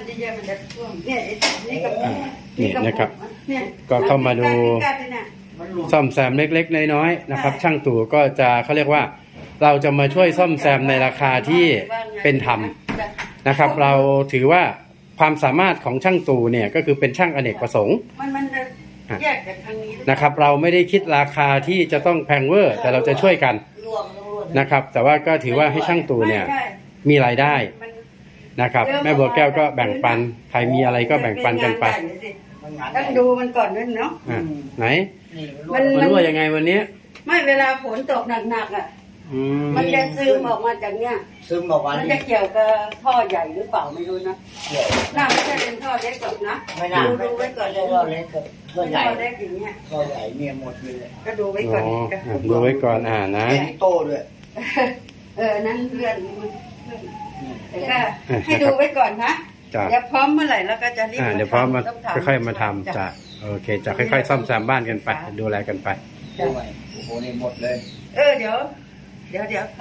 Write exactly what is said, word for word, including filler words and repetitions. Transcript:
เยอะๆมันจะท่วมเนี่ยนี่ก็นี่นะครับก็เข้ามาดูซ่อมแซมเล็กๆน้อยๆนะครับช่างตู่ก็จะเขาเรียกว่าเราจะมาช่วยซ่อมแซมในราคาที่เป็นธรรมนะครับเราถือว่าความสามารถของช่างตู่เนี่ยก็คือเป็นช่างอเนกประสงค์นะครับเราไม่ได้คิดราคาที่จะต้องแพงเวอร์แต่เราจะช่วยกันนะครับแต่ว่าก็ถือว่าให้ช่างตู่เนี่ยมีรายได้นะครับแม่บัวแก้วก็แบ่งปันใครมีอะไรก็แบ่งปันกันไปต้องดูมันก่อนด้วยเนาะไหนมันรั่วยังไงวันนี้ไม่เวลาฝนตกหนักๆอ่ะมันจะซึมออกมาจากเนี้ยซึมออกมามันจะเกี่ยวกับท่อใหญ่หรือเปล่าไม่รู้นะเกี่ยวน่าไม่ใช่เป็นท่อเล็กก่อนนะไม่น่าดูไว้ก่อนเลยท่อเล็กกับท่อใหญ่ท่อเล็กอย่างเงี้ยท่อใหญ่เนี่ยหมดเลยก็ดูไว้ก่อนดูไว้ก่อนอ่านะโต้ด้วยเออนั่นเพื่อนแต่ก็ให้ดูไว้ก่อนนะเดี๋ยวพร้อมเมื่อไหร่แล้วก็จะรีบเดี๋ยวพร้อมมาค่อยๆมาทำจะโอเคจะค่อยๆซ่อมแซมบ้านกันไปดูแลกันไปโอ้โหนี่หมดเลยเออเดี๋ยวเดี๋ยวเดี๋ยว